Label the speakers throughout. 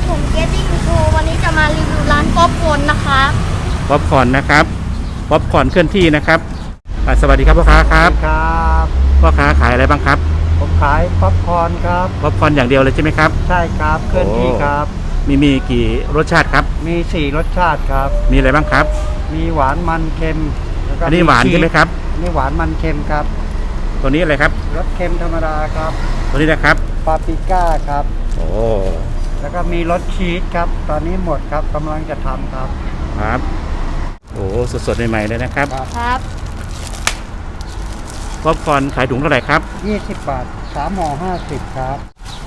Speaker 1: ผมเกตติ้งโชว์วันนี้จะมารีวิวร้านป๊อปคอร์นนะคะ
Speaker 2: ป๊อปคอร์นนะครับป๊อปคอร์นเคลื่อนที่นะครับสวัสดีครับพ่อค้าครับ
Speaker 3: ครับ
Speaker 2: พ่อค้าขายอะไรบ้างครับ
Speaker 3: ผมขายป๊อปคอร์นครับ
Speaker 2: ป๊อปคอร์นอย่างเดียวเลยใช่ไหมครับ
Speaker 3: ใช่ครับเคลื่อนที่ครับ
Speaker 2: มีกี่รสชาติครับ
Speaker 3: มี4รสชาติครับ
Speaker 2: มีอะไรบ้างครับ
Speaker 3: มีหวานมันเค็มแล้วก็
Speaker 2: อันนี้หวานใช่ไหมครับ
Speaker 3: นี่หวานมันเค็มครับ
Speaker 2: ตัวนี้อะไรครับ
Speaker 3: รสเค็มธรรมดาครับ
Speaker 2: ตัวนี้นะครับ
Speaker 3: ปาปริก้าครับ
Speaker 2: โอ้
Speaker 3: แล้วก็มีรสชีสครับตอนนี้หมดครับกำลังจะทำครับ
Speaker 2: ครับโอ้สดๆใหม่ๆเลยนะครับ
Speaker 1: ครับ
Speaker 2: ป๊อปคอร์นขายถุงเท่าไหร่ครับ
Speaker 3: 20 บาท3ห่อ50ครับ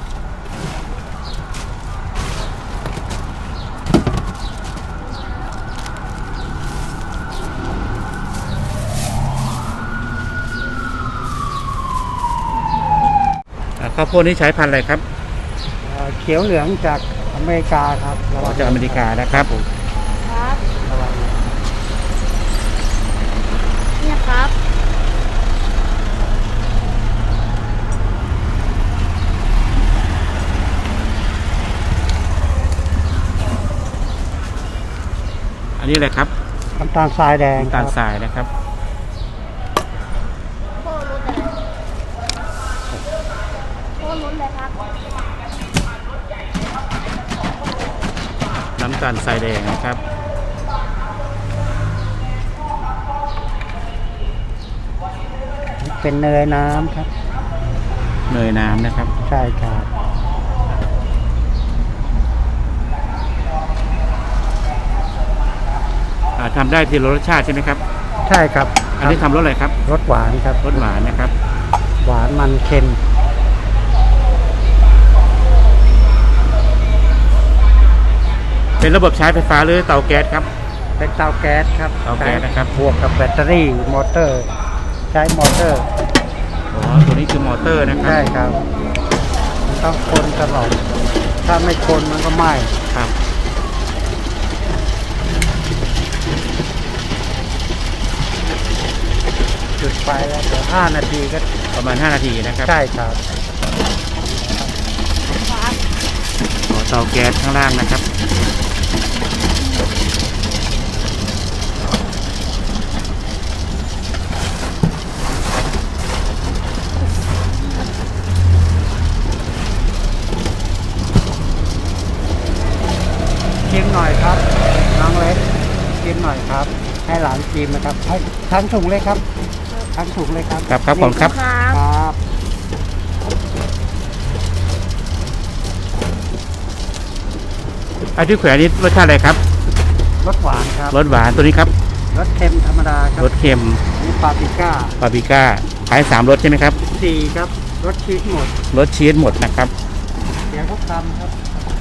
Speaker 2: ข้าวโพดนี้ใช้พันธุ์อะไรครับ
Speaker 3: เขียวเหลืองจากอเมริกาครับ
Speaker 2: จากอเมริกานะครับ
Speaker 1: ครับเนี่ยครับ
Speaker 2: อันนี้อะไรครับ
Speaker 3: น้ำตาลทรายแดง
Speaker 2: น้ำตาลทรายนะครับ
Speaker 1: โค้ลุ้นเลยโค้ลุ้นเลยครับ
Speaker 2: น้ำตาลทรายแดงนะครับ
Speaker 3: เป็นเนยน้ำครับ
Speaker 2: เนยน้ำนะครับ
Speaker 3: ใช่ครับ
Speaker 2: ทำได้ทีละรสชาติใช่ไหมครับ
Speaker 3: ใช่ครับ
Speaker 2: อันนี้ทำรสอะไรครับ
Speaker 3: รสหวานครับ
Speaker 2: รสหวานนะครับ
Speaker 3: หวานมันเค็ม
Speaker 2: เป็นระบบใช้ไฟฟ้าหรือเตาแก๊สครับ
Speaker 3: เป็นเตาแก๊สครับ
Speaker 2: เตาแก๊สนะครับ
Speaker 3: บวกกับแบตเตอรี่มอเตอร์ใช้มอเตอร์
Speaker 2: ตัวนี้คือมอเตอร์นะครับ
Speaker 3: ใช่ครับต้องคนตลอดถ้าไม่คนมันก็ไหม้
Speaker 2: ครับ
Speaker 3: จุดไฟแล้วเดี๋ยว5 นาทีก็
Speaker 2: ประมาณ5 นาทีนะครับ
Speaker 3: ใช่ครับ
Speaker 2: เตาแก๊สข้างล่างนะครับ
Speaker 3: ชิมหน่อยครับน้องเล็กชิมหน่อยครับให้หลานชิมนะครับให้ทั้งถุงเลยครับทั้งถุงเลยครับ
Speaker 2: ครับผมครับ
Speaker 3: ครับ
Speaker 2: ไอ้ที่แขวนนี้รสชาติอะไรครับ
Speaker 3: รสหวานครับ
Speaker 2: รสหวานตัวนี้ครับ
Speaker 3: รสเค็มธรรมดาครับ
Speaker 2: รสเค็ม
Speaker 3: นี่ปาปริก้า
Speaker 2: ขาย3รสใช่ไหมครับ
Speaker 3: 4ครับรสชีสหมด
Speaker 2: รสชีสหมดนะครับ
Speaker 3: เดี๋ยวพวกทำครับ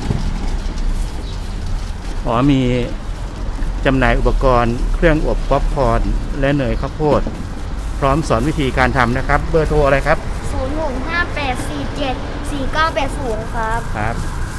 Speaker 2: มีจำหน่ายอุปกรณ์เครื่องอบป๊อปคอร์นและเนยข้าวโพดพร้อมสอนวิธีการทำนะครับเบอร์โทรอะไรครับ
Speaker 1: 0658474980ครับ
Speaker 2: ครับ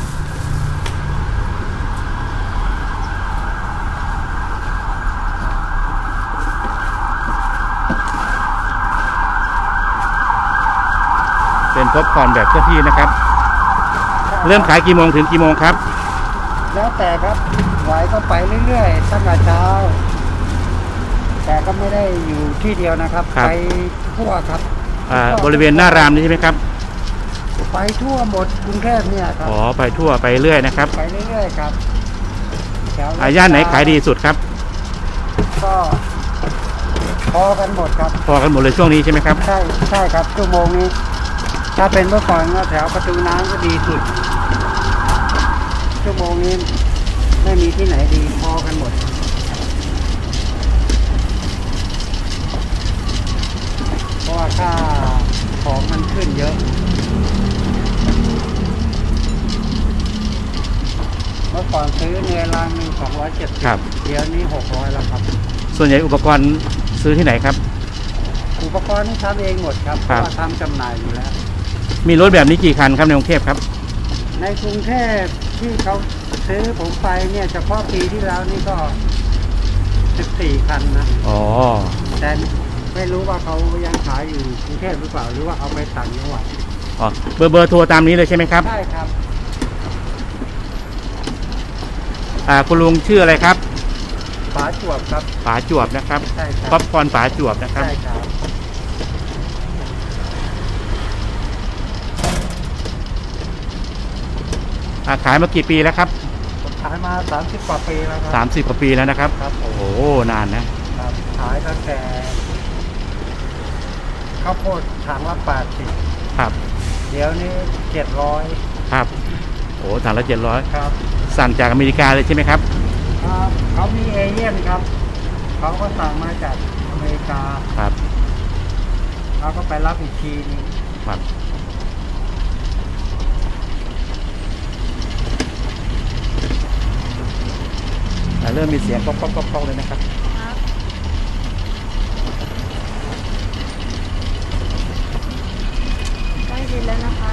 Speaker 2: เป็นป๊อปคอร์นแบบเคลื่อนที่นะครับเริ่มขายกี่โมงถึงกี่โมงครับ
Speaker 3: แล้วแต่ครับไหวก็ไปเรื่อยๆตั้งแต่เช้าแต่ก็ไม่ได้อยู่ที่เดียวนะครับไปทั่วครับ
Speaker 2: บริเวณหน้ารามนี่ใช่ไหมครับ
Speaker 3: ไปทั่วหมดกรุงเทพเนี่ยครับ
Speaker 2: ไปทั่วไปเรื่อยนะครับ
Speaker 3: ไปเรื่อยๆครับ
Speaker 2: ย่านไหนขายดีสุดครับ
Speaker 3: ก็พอกันหมดครับ
Speaker 2: พอกันหมดเลยช่วงนี้ใช่ไหมครับ
Speaker 3: ใช่ครับชั่วโมงนี้ถ้าเป็นเมื่อก่อนก็แถวประตูน้ำก็ดีสุดชั่วโมงนี้ไม่มีที่ไหนดีพอกันหมดเพราะว่าค่าของมันขึ้นเยอะเมื่อก่อนซื้อเนื้อลังนึง270
Speaker 2: ครับ
Speaker 3: เดี๋ยวนี้600แล้วครับ
Speaker 2: ส่วนใหญ่อุปกรณ์ซื้อที่ไหนครับ
Speaker 3: อุปกรณ์นี่ทำเองหมดครับเพราะว่าทำจำหน่ายอยู่แล้ว
Speaker 2: มีรถแบบนี้กี่คันครับในกรุงเทพครับ
Speaker 3: ในกรุงเทพที่เขาซื้อผมไปเนี่ยเฉพาะปีที่แล้วนี่ก็14 คันนะแต่ไม่รู้ว่าเขายังขายอยู่กรุงเทพหรือเปล่าหรือว่าเอาไปต่างจังหวัด
Speaker 2: เบอร์โทรตามนี้เลยใช่ไหมครับ
Speaker 3: ใช่ครับ
Speaker 2: คุณลุงชื่ออะไรครับ
Speaker 3: ฝาจวบครับ
Speaker 2: ป๋าจวบนะครับ
Speaker 3: ใช่ครั
Speaker 2: ป๊อปคอร์นป๋าจวบนะครับ
Speaker 3: ใช่ครับ
Speaker 2: ขายมากี่ปีแล้วครับ
Speaker 3: ผมขายมา30กว่าปีแล้วครั
Speaker 2: 30กว่าปีแล้วนะครับ
Speaker 3: ครับผม
Speaker 2: โอ้โหนานนะครับ
Speaker 3: ขายตั้งแต่ข้าวโพดถังละ80
Speaker 2: ครับ
Speaker 3: เดี๋ยวนี้700
Speaker 2: ครับโอ้ถังละ700
Speaker 3: ครับ
Speaker 2: สั่งจากอเมริกาเลยใช่ไหมครับ
Speaker 3: ครับเขามีเอเย่นครับเขาก็สั่งมาจากอเมริกา
Speaker 2: ครับ
Speaker 3: เราก็ไปรับอีกทีนึง
Speaker 2: ครับเริ่มมีเสียงก๊อกๆๆๆเลยนะครับ
Speaker 1: ครับใกล้เสร็จแล้วนะครับ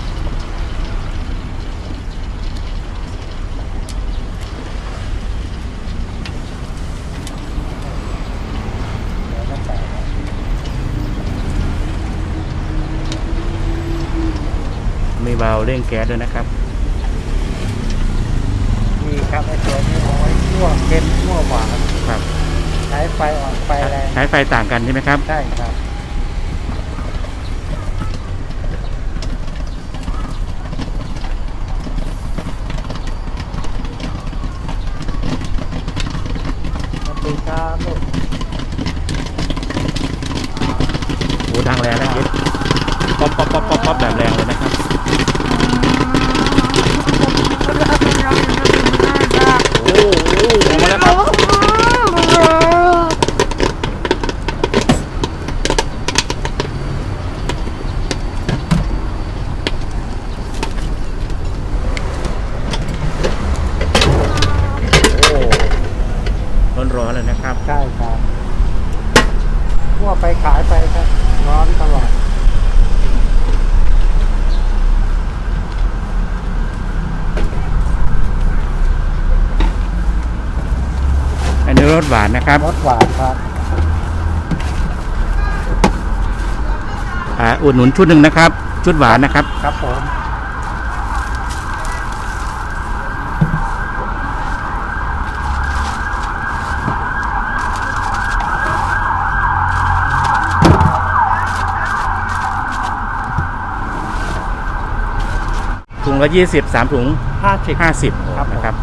Speaker 3: เดี๋ยวก็ใส่
Speaker 2: มีวาล์วเร่งแก๊สด้วยนะครับ
Speaker 3: มีครับไอ้ตัวนี้เอาไว้คั่วเค็มคั่วหวาน
Speaker 2: ครับ
Speaker 3: ใช้ไฟอ่อนไฟแรง
Speaker 2: ใช้ไฟต่างกันใช่ไหมครับ
Speaker 3: ใช่ครับสวัสดีครับลูก
Speaker 2: โอ้ดังแรงนะคิดป๊อปแบบแรงเลยนะครับโอ้โหออกมาแล้วครับโอ้ร้อนๆเลยนะครับ
Speaker 3: ใช่ครับคั่วไปขายไปครับร้อนตลอด
Speaker 2: อันนี้รสหวานนะครับ
Speaker 3: รสหวานครับ
Speaker 2: อุดหนุนชุดหนึ่งนะครับ ชุดหวานนะครับ
Speaker 3: ครับผม
Speaker 2: ถุงละ20 3ถุง
Speaker 3: 50
Speaker 2: 50
Speaker 3: ครับผม
Speaker 2: นะครับ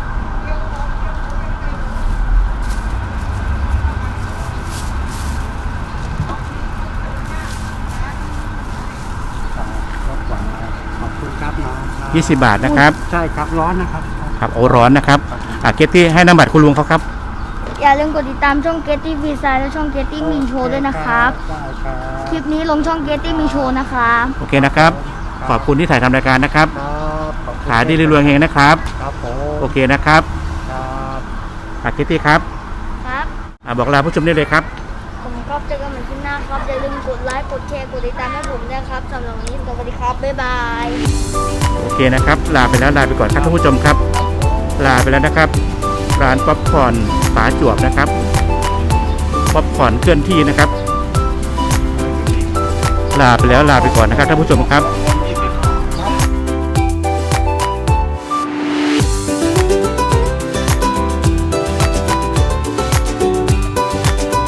Speaker 3: รสหวานครับขอบคุณครับน้องครับ
Speaker 2: 20 บาทนะครับ
Speaker 3: ใช่ครับร้อนนะครับ
Speaker 2: ครับโอ้ร้อนนะครับเกตที่ให้น้ำบัตรคุณลุงเขาครับ
Speaker 1: อย่าลืมกดติดตามช่องเกตตี้วีซายและช่องเกตตี้มินโชด้วยนะครับ
Speaker 3: ได้ครับ
Speaker 1: คลิปนี้ลงช่องเกตตี้มินโชนะครับ
Speaker 2: โอเคนะครับ ขอบคุณที่ถ่ายทำรายการนะครับ
Speaker 3: ครับขอบคุณ
Speaker 2: ขายดีรวยๆเฮงนะครับ
Speaker 3: ครับผม
Speaker 2: โอเคนะครับ
Speaker 3: ครับ
Speaker 2: เกตตี้ครับ
Speaker 1: ครับ
Speaker 2: บอกลาผู้ชมได้เลยครับ
Speaker 1: ผมครับเจอกันใหม่คลิปหน้าครับ อย่าลืมกดไลค์ กดแชร์ กดติดตามให้ผมด้วยครับสำหรับวันนี้สวัสดีครับ บ๊ายบาย
Speaker 2: โอเคนะครับ ลาไปแล้วลาไปก่อนครับท่านผู้ชมครับ ลาไปแล้วนะครับ ร้านป๊อปคอร์นป๋าจวบนะครับ ป๊อปคอร์นเคลื่อนที่นะครับ ลาไปแล้วลาไปก่อนนะครับท่านผู้ชมครับ